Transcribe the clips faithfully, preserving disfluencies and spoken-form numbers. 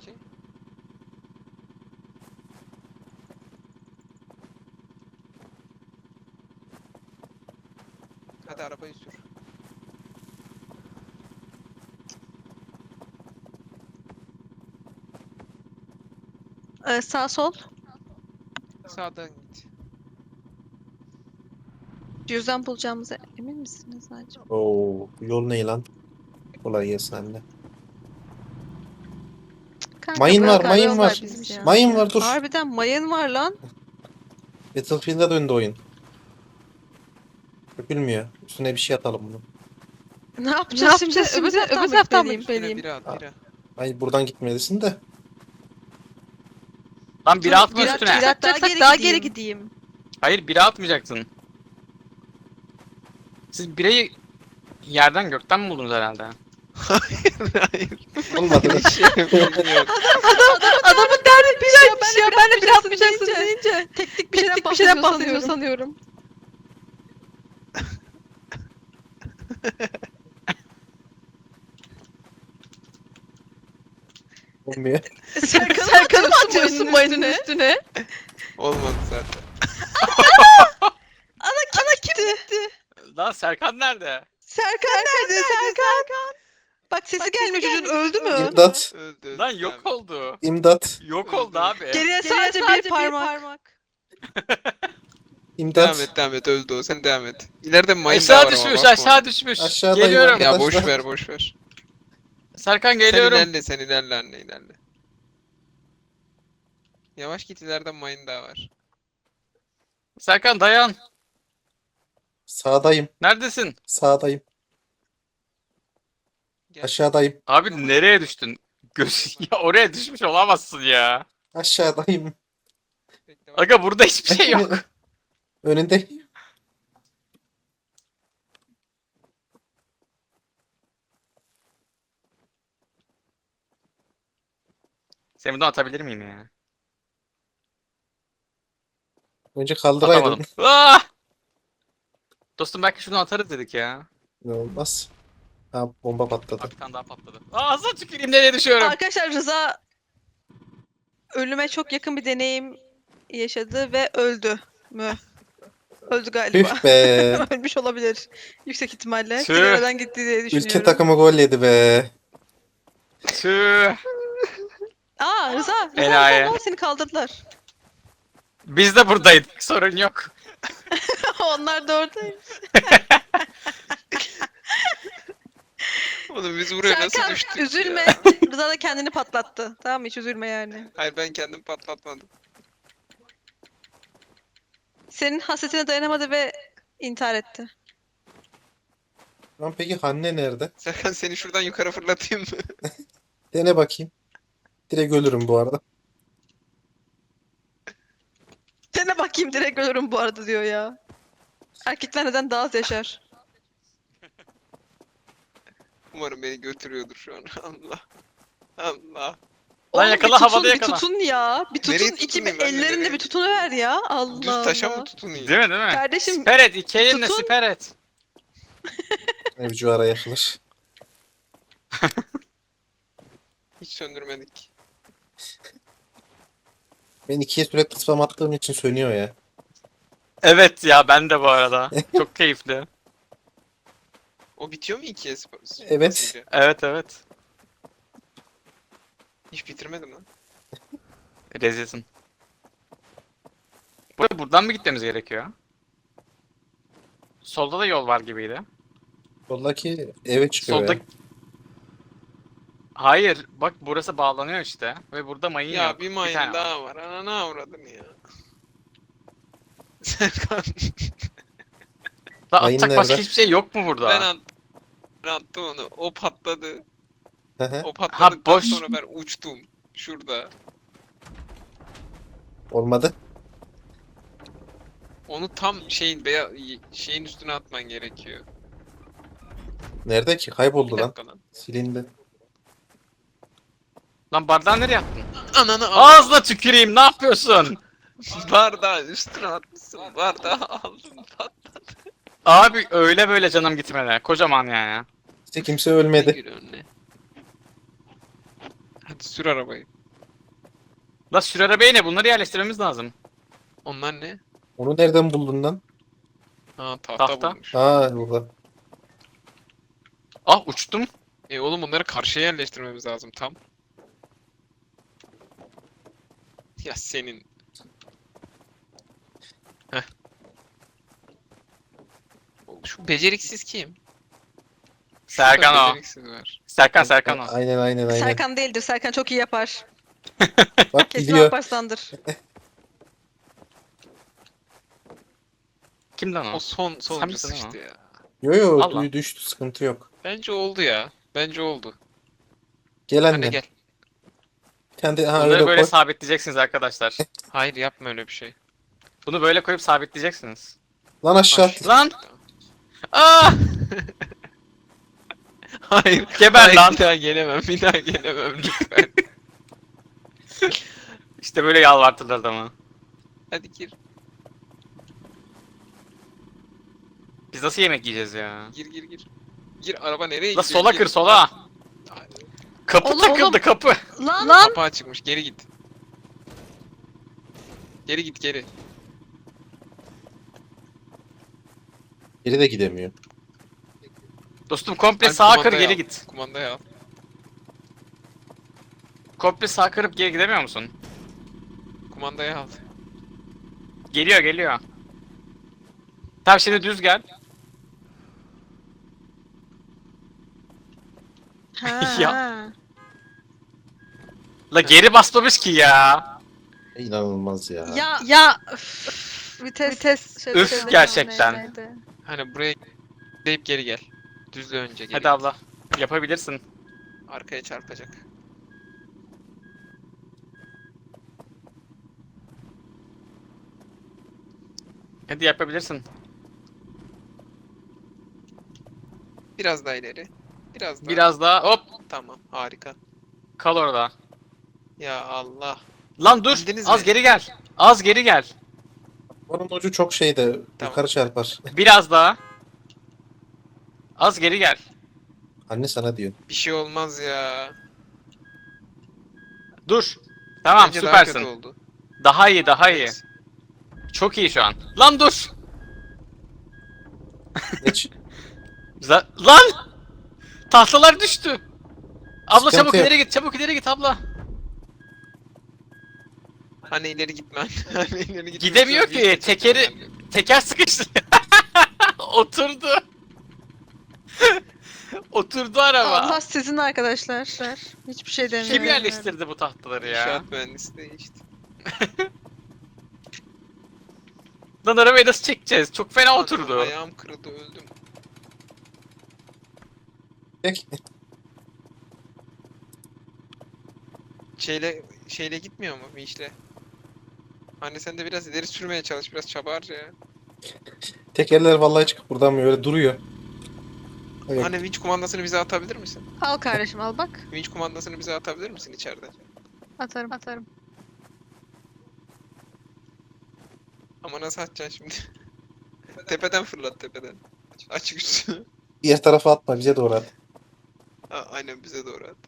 Okey. Hadi arabayı sür. Ee, sağ sol. Sağdan git. Cüzdan bulacağımıza emin misiniz acaba? Oo, bu yol ne lan? Kolay gelsin anne. Kanka Mayın bırak var, mayın arıyorlar var. bizi ya. Mayın var, dur. Harbiden mayın var lan. Battlefield'a döndü oyun. Dökülmüyor. Üstüne bir şey atalım bunu. Ne yapacağız, şimdi? Öbür taraftan, öbür taraftan mı Üstüne gitmeliyim? bira at bira. Hayır, buradan gitmelisin de. Lan biri atma Bir üstüne. atacaksak daha, daha geri gideyim. Hayır biri atmayacaksın. Siz bireyi yerden gökten mi buldunuz herhalde? Hayır. Olmadı. Bir şey bilmiyorum. Adamın derdi bir şeymiş ya. Ben de bir atmayacaksın deyince. Teknik bir şeyden, bir şeyden bahsediyor sanıyorum. Olmuyor. Serkan'ı Serkan mı atıyorsun mayının üstüne? Olmadı zaten. Ana gitti. Lan Serkan nerede? Serkan nerede? Serkan. Bak sesi gelmiyor çocuğun, öldü mü? İmdat. Öldü öldü. Lan yok Tamam. oldu. İmdat. Yok Öldü. oldu abi. Geriye sadece, bir parmak. İmdat. Devam et devam et öldü o. Sen devam et. İleride mayın daha Aşağı var ama düşmüş bakma. aşağı düşmüş. Aşağıdayım Geliyorum. abi. Ya boş Arkadaşlar. ver boş ver. Serkan geliyorum. Sen ilerle sen ilerle anne ilerle. Yavaş git ileride mayın daha var. Serkan dayan. Sağdayım. Neredesin? Sağdayım. Gel. Aşağıdayım. Abi nereye düştün? Göz ya oraya düşmüş olamazsın ya. Aşağıdayım. Bekle, bak. Aga burada hiçbir şey yok. Önünde. Seni buradan atabilir miyim ya? Önce kaldıraydın. Atamadım. Ah! Dostum belki şunu atarız dedik ya. Ne olmaz. Ha, bomba patladı. Bak bir tane daha patladı. Ağzına tüküreyim nereye düşüyorum? Arkadaşlar Rıza ölüme çok yakın bir deneyim yaşadı ve öldü mü? Öldü galiba. Tüh be. Ölmüş olabilir. Yüksek ihtimalle. Tüh. Kenardan gitti diye düşünüyorum. Ülke takımı gol yedi be. Tüh. Aa Rıza, Rıza, Enayi. Rıza, Rıza, seni kaldırdılar. Biz de buradaydık. Sorun yok. Onlar da oradaymış. Oğlum biz buraya nasıl Serkan düştük üzülme. ya? Rıza da kendini patlattı. Tamam mı? Hiç üzülme yani. Hayır ben kendim patlatmadım. Senin hasretine dayanamadı ve intihar etti. Lan peki Hanne nerede? Serkan seni şuradan yukarı fırlatayım mı? Dene bakayım. Direkt ölürüm bu arada. Dene bakayım, direkt ölürüm bu arada diyor ya. Erkekler neden daha az yaşar? Umarım beni götürüyordur şu an. Allah. Allah. Lan Oğlum yakala, bir tutun, havada bir yakala. tutun ya. Bir tutun, Nereye iki tutunayım ben de, ellerinle nereye? bir tutunuver ya. Allah Düz taşa Allah. mı tutunayım? Değil mi değil mi? Kardeşim, Siper et. İki elinle tutun. siper et. Evcu ara yakılır. Hiç söndürmedik. Ben ikiye sürekli spam attığım için sönüyor ya. Evet ya ben de bu arada. Çok keyifli. O bitiyor mu ikiye sp- Evet. basınca? Evet evet. Hiç bitirmedim lan. Rezilsin. Buraya buradan mı gitmemiz gerekiyor? Solda da yol var gibiydi. Soldaki eve çıkıyor Solda... ya. Hayır, bak burası bağlanıyor işte ve burada mayın Ya yok. bir mayın tane var. daha var. Ananı avradın ya. Serkan. Lan Mayın atacak başka nerede? hiçbir şey yok mu burada? ben, at ben attım onu. O patladı. Hı hı. O patladıktan boş. sonra ben uçtum. Şurada. Olmadı. Onu tam şeyin beya şeyin üstüne atman gerekiyor. Nerede ki? Bir Kayboldu lan. dakika lan. Silindi. Lan bardağı nereye attın? Ananı al. Ağzına tüküreyim, ne yapıyorsun? Bardağı üstüne atmışsın. Bardağı aldın patladı. Abi öyle böyle canım gitmedi. Kocaman yani. İşte kimse ölmedi. Gir önüne. Hadi sür arabayı. La sür arabaya ne? Bunları yerleştirmemiz lazım. Onlar ne? Onu nereden buldun lan? Ha tahta, Tahta. bulmuş. Ha burada. Ah uçtum. E oğlum bunları karşıya yerleştirmemiz lazım tam. Ya senin. Heh. Şu beceriksiz kim? Şurada Serkan o. beceriksiz var. Serkan Serkan o. Aynen aynen aynen. Serkan değildir. Serkan çok iyi yapar. Bak Kesin gidiyor. Alparslan'dır. Kim lan o? O son Sen sonuncu misin ama? sıçtı ya. Yo yo Allah. duy- düştü sıkıntı yok. Bence oldu ya. Bence oldu. Gel Anne anne. gel. Kendi ha Bunları öyle böyle koy. sabitleyeceksiniz arkadaşlar. Hayır yapma öyle bir şey. Bunu böyle koyup sabitleyeceksiniz. Lan aşağı Aş- at. Lan! Aa! Hayır. Geber hayır, lan. Bir daha gelemem. Bir daha gelemem lütfen. İşte böyle yalvartırlar adamı. Hadi gir. Biz nasıl yemek yiyeceğiz ya? Gir gir gir. Gir araba nereye La gidiyor? sola Gir. kır sola. Ay, Kapı Oğlum, takıldı oğlum. kapı. Lan! Lan! Kapağı çıkmış. Geri git. Geri git geri. Geri de gidemiyor. Dostum komple Alp, sağa kır kumandayı geri al. git. Kumandayı al. Komple sağa kırıp geri gidemiyor musun? Kumandayı al. Geliyor geliyor. Tamam şimdi düz gel. Ha. Ya. La geri basmamış ki ya. İnanılmaz ya. Ya ya üf, vites vites şey- Üf, şeyde gerçekten. neydi? Hani buraya deyip geri gel. Düzle önce geri. Hadi abla. Yapabilirsin. Arkaya çarpacak. Hadi yapabilirsin. Biraz daha ileri. Biraz daha. Biraz daha hop Tamam harika. kal orada. Ya Allah. Lan dur. Bildiniz Az mi? geri gel. Az geri gel. Onun ucu çok şeyde Tamam. yukarı çarpar. Biraz daha. Az geri gel. Anne sana diyor. Bir şey olmaz ya. Dur. Tamam Bence daha kötü süpersin. oldu. Daha iyi daha iyi. Evet. Çok iyi şu an. Lan dur. Geç. Za- Lan! Tahtalar düştü. Abla Sıkıntı çabuk yok. ileri git, çabuk ileri git abla. Hani ileri gitmen. Hani ileri gitmen. Gidemiyor Sen ki, bir- tekeri- Teker sıkıştı. Oturdu. Oturdu araba. Allah sizin arkadaşlar. Hiçbir şey demiyorum. Kim yerleştirdi bu tahtaları ya? İnşaat mühendisi değişti. Lan arabayı nasıl çekeceğiz? Çok fena Ana, oturdu. Ayağım kırıldı öldüm. Peki. Şeyle şeyle gitmiyor mu vinçle? Anne sen de biraz ileri sürmeye çalış, biraz çaba harca ya. Tekerler vallahi çıkıp buradan böyle duruyor. Evet. Anne vinç kumandasını bize atabilir misin? Al kardeşim al bak. Vinç kumandasını bize atabilir misin içeride? Atarım atarım. Ama nasıl atacaksın şimdi? Tepeden fırlat tepeden. Açık üstü. Diğer tarafa atma bize doğru at. Ha, aynen bize doğru at.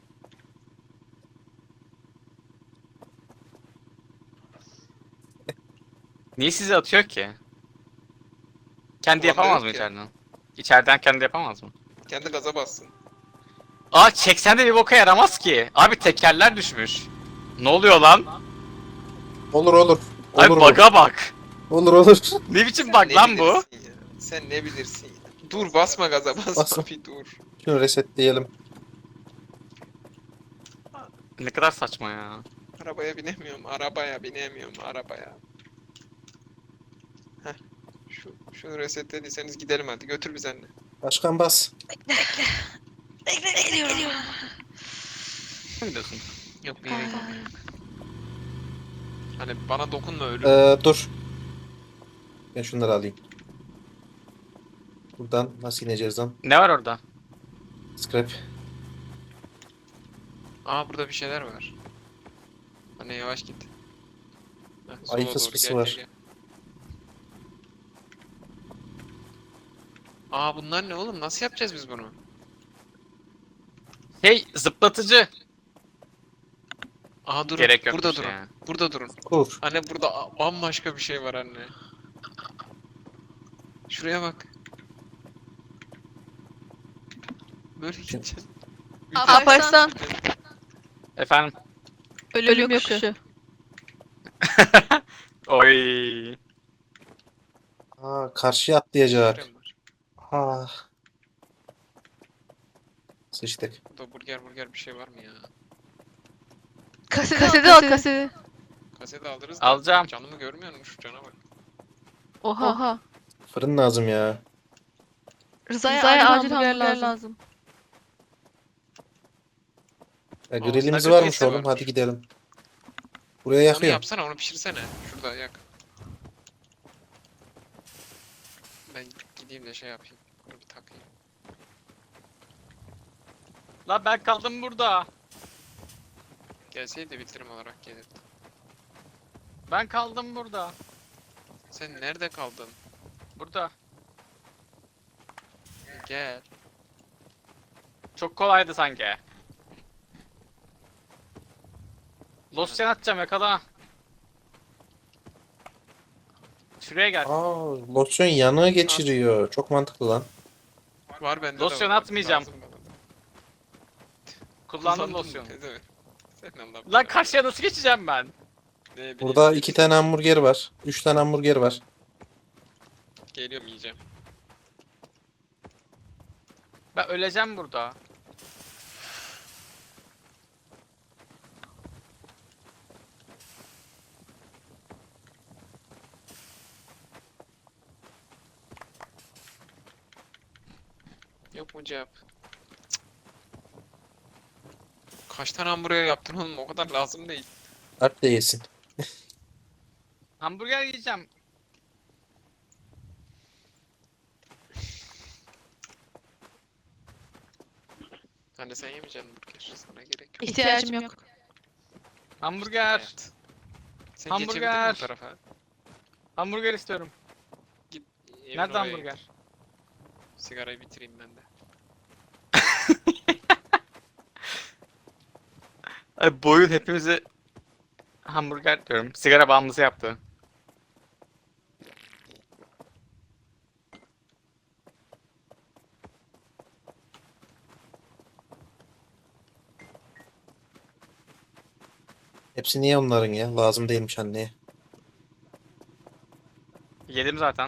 Niye sizi atıyor ki? Kendi Kumanda yapamaz yok mı ki. içeriden? İçeriden kendi yapamaz mı? Kendi gaza bassın. Aa çeksen de bir boka yaramaz ki. Abi tekerler düşmüş. Ne oluyor lan? Olur olur. Olur Abi bu. bug'a bak. Olur olur. Ne biçim Sen bug ne lan bu? bilirsin ya? Sen ne bilirsin ya? Dur basma gaza basma Basma. bir dur. Şunu resetleyelim. Ne kadar saçma ya. Arabaya binemiyorum, arabaya binemiyorum, arabaya. Heh. Şu, şunu resetlediyseniz gidelim hadi. Götür bizi anne. Başkan bas. Bekle geliyorum. Ne diyorsun? Yok bir yere gitme. Hani bana dokunma ölüm. Ee, dur. Ben şunları alayım. Buradan nasıl ineceğiz lan? Ne var orada? Scrap. Aa burada bir şeyler var. Anne yavaş git. Heh, sola Ayı doğru, fısfısı gel, var. gel, gel. Aa bunlar ne oğlum? Nasıl yapacağız biz bunu? Hey zıplatıcı. Aha durun. Gerek Burada yokmuş durun. ya. Burada durun. Kur. Anne burada a- bambaşka bir şey var anne. Şuraya bak. Böyle gideceğim. Alparslan. Efendim? Ölüm yokuşu. Oy. Aa, karşıya atlayacak. Şuraya var. Ha. Sıçtık. Burada burger burger bir şey var mı ya? Kaseti, kaseti al kaseti. Kaseti alırız da. Alacağım. Canımı görmüyor musun? Şu cana bak. Oha. Oha. Fırın lazım ya. Rıza'ya, Rıza'ya acil acil hamburger, hamburger lazım. ya Aa, grillimiz sadece varmış piyasa oğlum. varmış. Hadi gidelim. Buraya Onu yakıyor. yapsana, onu pişirsene. Şurada yak. Ben gideyim de şey yapayım. Bunu bir takayım. La ben kaldım burada. Gelseydi bitirim olarak gelirdi. Ben kaldım burada. Sen nerede kaldın? Burada. Gel. Çok kolaydı sanki. Losyan atacağım yakala. Şuraya gel. Aa, losyon yanığı geçiriyor. Çok mantıklı lan. Var bende Losyon de var. atmayacağım. Lazım bana. Kullandım Kullandım, losyonu. ne demek? Sen Allah'ım Lan ya. karşıya nasıl geçeceğim ben? Ne bileyim, Burada ne iki bileyim. tane hamburger var. Üç tane hamburger var. Geliyorum yiyeceğim. Ben öleceğim burada. Yok mu cevap? Cık. Kaç tane hamburger yaptın oğlum? O kadar lazım değil. Alp de yesin. Hamburger yiyeceğim. Hani sen yemeyeceksin burger. Sana gerek yok. İhtiyacım yok. Hamburger. Hayat. Sen Hamburger. geçebildin mi bu tarafa? Hamburger istiyorum. Git. evin Nerede oraya hamburger? git. Sigarayı bitireyim ben de. Ay boyun hepimizi hamburger diyorum. Sigara bağımlısı yaptı. Hepsi niye onların ya? Lazım değilmiş anneye. Yedim zaten.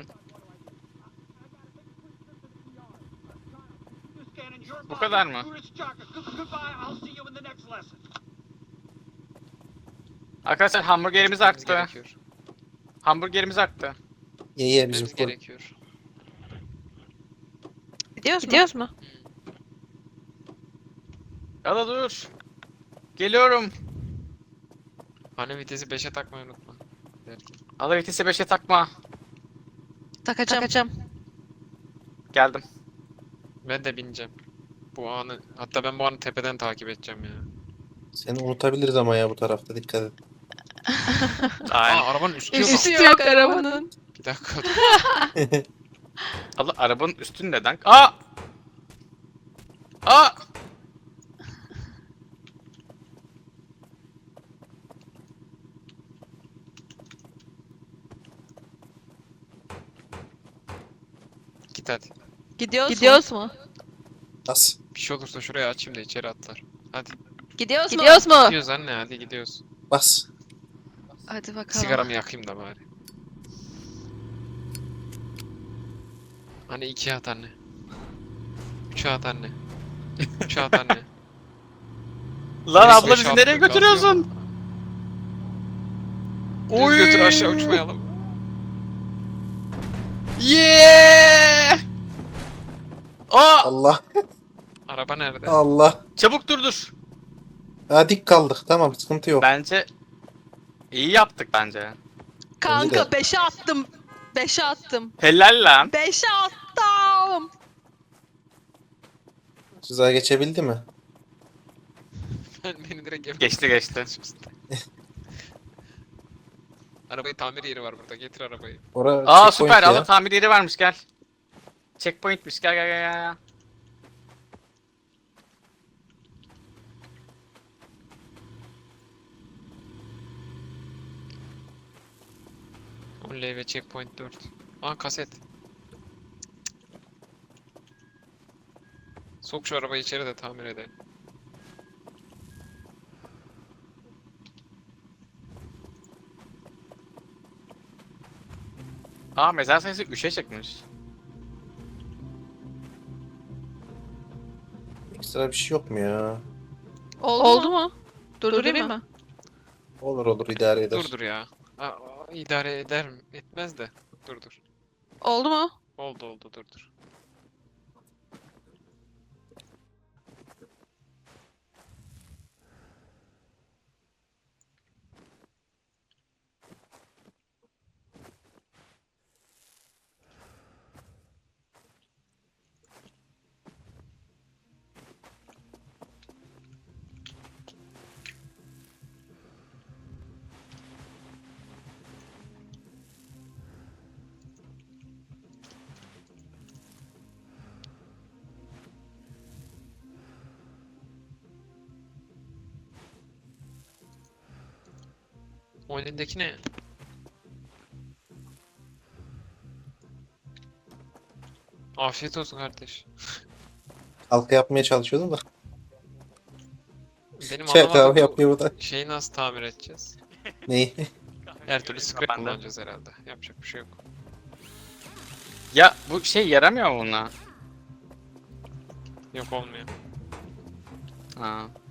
Bu kadar mı? Arkadaşlar hamburgerimiz Gitmemiz arttı. gerekiyor. Hamburgerimiz arttı. Ye ye bizim Gitmemiz fırın. gerekiyor. Gidiyoruz mu? Gidiyoruz mu? Ya dur. Geliyorum. Hani vitesi beşe takmayı unutma. Ala vitesi beşe takma. Takacağım. Takacağım. Geldim. Ben de bineceğim. Bu anı, hatta ben bu anı tepeden takip edeceğim ya. Seni unutabiliriz ama ya bu tarafta dikkat et. Aynen. Aa, arabanın üstü yok. Üstü yok arabanın. Bir dakika. Allah arabanın üstünde neden? Aa! Aa! Git hadi. Gidiyoruz, Gidiyoruz mu? As. Bir şey olursa şuraya açayım da içeri atlar. Hadi. Gidiyoruz, Gidiyoruz mu? Gidiyoruz anne, hadi gidiyoruz. Bas. Hadi bakalım. Sigaramı yakayım da bari. Hani ikiye at anne. Üçe at anne. Üçe at anne. Lan Beş, abla beş, bizi altı, nereye gaz götürüyorsun? Düz götür, aşağı uçmayalım. Yeah! Aa! Allah. Araba nerede? Allah. Çabuk durdur. Ha, dik kaldık. Tamam, sıkıntı yok. Bence iyi yaptık bence. Bence Kanka de. beşe attım. Beşe attım. Helal lan. Beşe attım. Rıza geçebildi mi? Ben beni direkt evine Geçti geçti. Arabayı tamir yeri var burada. Getir arabayı. Ora Aa checkpoint süper. ya. Allah tamir yeri varmış gel. Checkpoint'miş gel gel gel gel. Oley ve checkpoint dört. Aa kaset. Sok şu arabayı içeri de tamir edelim. Aa mezar sayısı üçe çıkmış. Ekstra bir şey yok mu ya? Oldu, Oldu mu? Durdurayım mı? Olur olur idare eder. Dur dur ya. Aa, aa, idare eder mi? Etmez de. Dur dur. Oldu mu? Oldu oldu dur dur. O elindeki ne? Afiyet olsun kardeş. Halka yapmaya çalışıyordum da. Benim Çay anlamadığım kahve bu yapıyor burada. şeyi nasıl tamir edeceğiz? Neyi? Her türlü scrap Ben de. kullanacağız herhalde. Yapacak bir şey yok. Ya bu şey yaramıyor mu buna? Yok olmuyor. Ha.